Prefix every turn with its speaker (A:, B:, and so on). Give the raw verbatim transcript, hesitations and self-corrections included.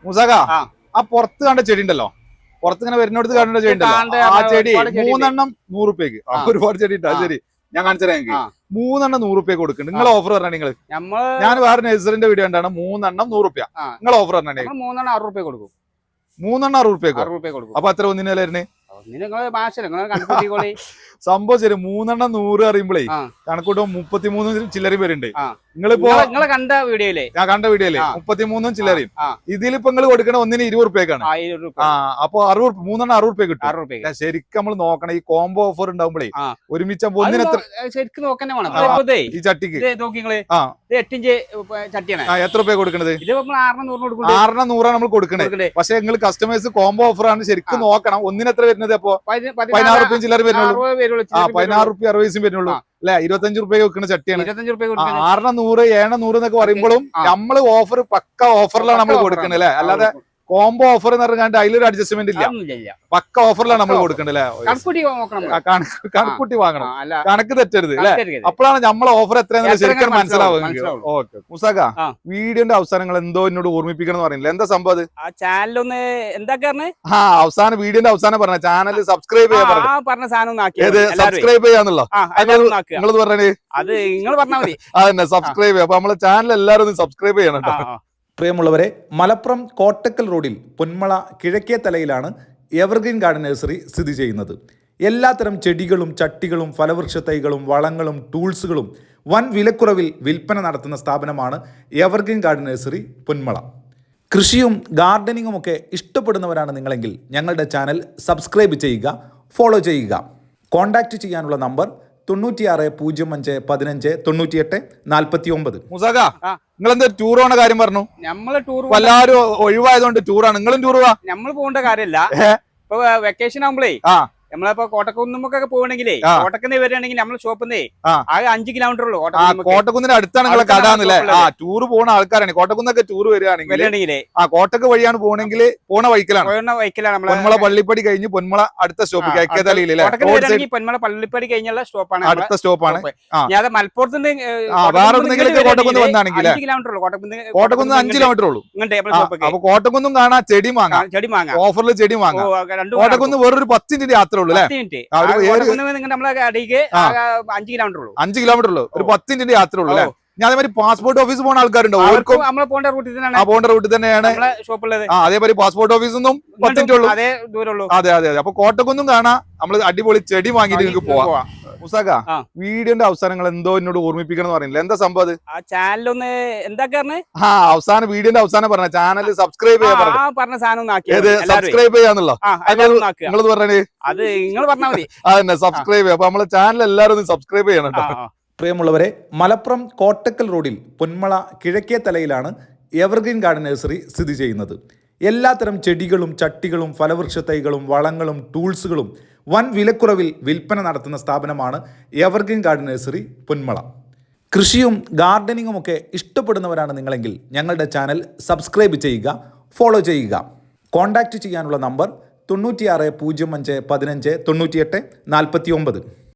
A: മുസാക ആ പുറത്ത് കണ്ട ചെടി ഉണ്ടല്ലോ, പുറത്ത് ഇങ്ങനെ വരുന്നിടത്ത് കണ്ട ചെടി ഉണ്ടല്ലോ, ആ ചെടി മൂന്നെണ്ണം നൂറ് റുപ്യക്ക്. ഒരുപാട് ചെടി ഉണ്ട്. അത് ശരി, ഞാൻ കാണിച്ചുതരാം. എനിക്ക് മൂന്നെണ്ണം നൂറ് റുപ്യ കൊടുക്കുന്നുണ്ട്. നിങ്ങൾ ഓഫർ പറഞ്ഞാൽ നിങ്ങൾ ഞാൻ വേറെ നഴ്സറിന്റെ വീഡിയോ ഉണ്ടാണ് മൂന്നെണ്ണം നൂറ് റുപ്യ. നിങ്ങൾ ഓഫർ പറഞ്ഞാൽ
B: മൂന്നെണ്ണം അറുപത് റുപ്യ കൊടുക്കും.
A: മൂന്നെണ്ണം അറുപത് റുപ്യ കൊടുക്കും. അപ്പൊ അത്ര ഒന്നിനെ വരുന്നേ സംഭവം ശരി. മൂന്നെണ്ണം നൂറ് അറിയുമ്പോഴേ കണക്കൂട്ടും മുപ്പത്തിമൂന്നും ചില്ലറയും പേരുണ്ട്. നിങ്ങളിപ്പോ
B: കണ്ട വീഡിയോയിലെ
A: ഞാൻ കണ്ട വീഡിയോയിലെ മുപ്പത്തിമൂന്നും ചില്ലറയും. ഇതിലിപ്പോ നിങ്ങൾ കൊടുക്കണ ഒന്നിന് ഇരുപത് റുപ്യക്കാണ്. ആ അപ്പൊ അറുപത് മൂന്നെണ്ണം അറുപത് റുപ്യ കിട്ടും. ശരിക്കും നമ്മൾ നോക്കണം. ഈ കോംബോ ഓഫർ ഉണ്ടാവുമ്പോഴേ ഒരുമിച്ച് ഒന്നിന്
B: ശരിക്കും നോക്കന്നെ
A: ഈ ചട്ടിക്ക്
B: എട്ടിഞ്ച് ചട്ടിയാണ്.
A: എത്ര റുപ്യ കൊടുക്കണത്? ആറെണ്ണം നൂറാണ് നമ്മൾ കൊടുക്കണത്. പക്ഷെ നിങ്ങൾ കസ്റ്റമേഴ്സ് കോംബോ ഓഫർ ആണ് ശരിക്കും നോക്കണം. ഒന്നിന് എത്ര വരുന്നത്? അപ്പൊ പതിനാറ് റുപ്യ ചില്ലറ വരുന്നുള്ളൂ. ആ പതിനാറ് റുപ്യ അറുപത് പൈസയും വരുന്നുള്ളൂ അല്ലെ? ഇരുപത്തഞ്ച് റുപ്യ വെക്കുന്ന ചട്ടിയാണ്. ആറെണ്ണം നൂറ് ഏഴെണ്ണം നൂറ് എന്നൊക്കെ പറയുമ്പോഴും നമ്മള് ഓഫർ പക്ക ഓഫറിലാണ് നമ്മൾ കൊടുക്കുന്നത് അല്ലെ? അല്ലാതെ കോംബോ ഓഫർ എന്ന് പറഞ്ഞാൽ അതിലൊരു അഡ്ജസ്റ്റ്മെന്റ് ഇല്ല. പക്ക ഓഫറിലാണ് നമ്മൾ കൊടുക്കേണ്ടത് അല്ലെ? കണക്കുട്ടി വാങ്ങണം, കണക്ക് തെറ്റരുത് അല്ലെ? അപ്പോഴാണ് നമ്മളെ ഓഫർ എത്രയാണെന്ന് ശരിക്കും മനസ്സിലാവുക. ഓക്കെ മുസാക, വീഡിയോന്റെ അവസാനങ്ങൾ എന്തോ എന്നോട് ഓർമ്മിപ്പിക്കണം എന്ന് പറയുന്നില്ല. എന്താ സംഭവം?
B: ചാനലൊന്ന് എന്താ
A: ആ അവസാനം വീഡിയോന്റെ അവസാനം പറഞ്ഞ ചാനൽ സബ്സ്ക്രൈബ് ചെയ്യാൻ
B: പറഞ്ഞ സാധനം
A: സബ്സ്ക്രൈബ് ചെയ്യാന്നുള്ളോ നിങ്ങളത് പറഞ്ഞേ?
B: അത് നിങ്ങൾ പറഞ്ഞാൽ മതി.
A: അതന്നെ സബ്സ്ക്രൈബ് ചെയ്യാം. അപ്പൊ നമ്മളെ ചാനൽ എല്ലാവരും ഒന്ന് സബ്സ്ക്രൈബ് ചെയ്യണം കേട്ടോ. പ്രിയമുള്ളവരെ, മലപ്പുറം കോട്ടക്കൽ റോഡിൽ പൊന്മള കിഴക്കേ തലയിലാണ് എവർഗ്രീൻ ഗാർഡൻ നഴ്സറി സ്ഥിതി ചെയ്യുന്നത്. എല്ലാത്തരം ചെടികളും ചട്ടികളും ഫലവൃക്ഷ തൈകളും വളങ്ങളും ടൂൾസുകളും വൻ വിലക്കുറവിൽ വിൽപ്പന നടത്തുന്ന സ്ഥാപനമാണ് എവർഗ്രീൻ ഗാർഡൻ നഴ്സറി പൊന്മള. കൃഷിയും ഗാർഡനിങ്ങും ഒക്കെ ഇഷ്ടപ്പെടുന്നവരാണ് നിങ്ങളെങ്കിൽ ഞങ്ങളുടെ ചാനൽ സബ്സ്ക്രൈബ് ചെയ്യുക, ഫോളോ ചെയ്യുക. കോൺടാക്റ്റ് ചെയ്യാനുള്ള നമ്പർ തൊണ്ണൂറ്റിയാറ് പൂജ്യം അഞ്ച് പതിനഞ്ച് തൊണ്ണൂറ്റിയെട്ട് നാൽപ്പത്തി ഒമ്പത്. മുസാക, നിങ്ങൾ എന്താ ടൂർ പോണ കാര്യം പറഞ്ഞു?
B: നമ്മള് ടൂർ
A: എല്ലാവരും ഒഴിവായതുകൊണ്ട് ടൂറാണ്. നിങ്ങളും ടൂർ പോവാ?
B: നമ്മൾ പോകേണ്ട കാര്യമല്ല. ഇപ്പൊ വെക്കേഷൻ ആകുമ്പോഴേ നമ്മളിപ്പോ കോട്ടക്കുന്നുമൊക്കെ പോകണമെങ്കിലേ കോട്ടക്കുന്ന് വരികയാണെങ്കിൽ നമ്മൾ ഷോപ്പിന്നേ ആകെ അഞ്ച് കിലോമീറ്റർ ഉള്ളൂ.
A: കോട്ടക്കുന്നിന് അടുത്താണ് നിങ്ങളെ കടാന്നല്ലേ? ആ ടൂർ പോണ ആൾക്കാരാണ്. കോട്ടക്കുന്നൊക്കെ ടൂർ വരികയാണെങ്കിൽ ആ കോട്ടക്ക് വഴിയാണ് പോകണമെങ്കിൽ പോണ വൈക്കലാണ്
B: വൈക്കലാണ്
A: പൊന്മള പള്ളിപ്പടി കഴിഞ്ഞ് പൊന്മള അടുത്ത സ്റ്റോപ്പ് കേക്കേതലയിലെ
B: പൊന്മള പള്ളിപ്പടി കഴിഞ്ഞുള്ള സ്റ്റോപ്പാണ്
A: അടുത്ത സ്റ്റോപ്പാണ്.
B: ഞാൻ മലപ്പുറത്ത് നിന്ന്
A: വേറെ എവിടെയെങ്കിലും കോട്ടക്കുന്ന് വന്നാണെങ്കിൽ
B: കിലോമീറ്റർ ഉള്ളൂ.
A: കോട്ടക്കുന്ന് അഞ്ച് കിലോമീറ്റർ ഉള്ളൂ. അപ്പൊ കോട്ടക്കുന്നും കാണാം, ചെടി വാങ്ങാം,
B: ചെടി വാങ്ങാം,
A: ഓഫറിൽ ചെടി വാങ്ങാം. കോട്ടക്കുന്ന് വേറൊരു പത്ത് മിനിറ്റ് യാത്ര
B: അഞ്ച് കിലോമീറ്റർ ഉള്ളൂ.
A: അഞ്ച് കിലോമീറ്റർ ഉള്ളൂ, ഒരു പത്ത് മിനിറ്റ് യാത്ര ഉള്ളൂ അല്ലെ? ഞാൻ അതേമാതിരി പാസ്പോർട്ട് ഓഫീസ് പോകുന്ന ആൾക്കാരുണ്ടോ?
B: നമ്മളെ പോകേണ്ട റൂട്ടിൽ തന്നെയാണ്.
A: ആ പോകേണ്ട റൂട്ടിൽ തന്നെയാണ്
B: ഷോപ്പുള്ളത്.
A: ആ അതേമാതിരി പാസ്പോർട്ട് ഓഫീസൊന്നും പത്ത് മിനിറ്റ് ഉള്ളൂ.
B: അതേ ദൂരമുള്ളൂ.
A: അതെ അതെ അതെ. അപ്പൊ കോട്ടക്കൊന്നും കാണാം, നമ്മള് അടിപൊളി ചെടി വാങ്ങിയിട്ട് നിങ്ങൾക്ക് പോവാം. മുസാക, വീഡിയോന്റെ അവസാനങ്ങൾ എന്തോ എന്നോട് ഓർമ്മിപ്പിക്കണം എന്ന് പറയുന്നില്ല. എന്താ സംഭവം?
B: ആ ചാനലൊന്ന് എന്താ
A: ആ അവസാനം വീഡിയോന്റെ അവസാനം പറഞ്ഞ ചാനൽ സബ്സ്ക്രൈബ് ചെയ്യാൻ
B: പറഞ്ഞ സാധനം
A: സബ്സ്ക്രൈബ് ചെയ്യാന്നുള്ളോ നിങ്ങളത് പറഞ്ഞേ?
B: അത് നിങ്ങൾ പറഞ്ഞാൽ മതി.
A: അതന്നെ സബ്സ്ക്രൈബ് ചെയ്യാം. അപ്പൊ നമ്മളെ ചാനൽ എല്ലാവരും ഒന്ന് സബ്സ്ക്രൈബ് ചെയ്യണം കേട്ടോ. പ്രിയമുള്ളവരെ, മലപ്പുറം കോട്ടക്കൽ റോഡിൽ പൊന്മള കിഴക്കേ തലയിലാണ് എവർഗ്രീൻ ഗാർഡൻ നഴ്സറി സ്ഥിതി ചെയ്യുന്നത്. എല്ലാത്തരം ചെടികളും ചട്ടികളും ഫലവൃക്ഷ തൈകളും വളങ്ങളും ടൂൾസുകളും വൻ വിലക്കുറവിൽ വിൽപ്പന നടത്തുന്ന സ്ഥാപനമാണ് എവർഗ്രീൻ ഗാർഡൻ നഴ്സറി പൊന്മള. കൃഷിയും ഗാർഡനിങ്ങും ഒക്കെ ഇഷ്ടപ്പെടുന്നവരാണ് നിങ്ങളെങ്കിൽ ഞങ്ങളുടെ ചാനൽ സബ്സ്ക്രൈബ് ചെയ്യുക, ഫോളോ ചെയ്യുക. കോൺടാക്റ്റ് ചെയ്യാനുള്ള നമ്പർ തൊണ്ണൂറ്റിയാറ് പൂജ്യം അഞ്ച് പതിനഞ്ച് തൊണ്ണൂറ്റിയെട്ട് നാൽപ്പത്തി ഒമ്പത്.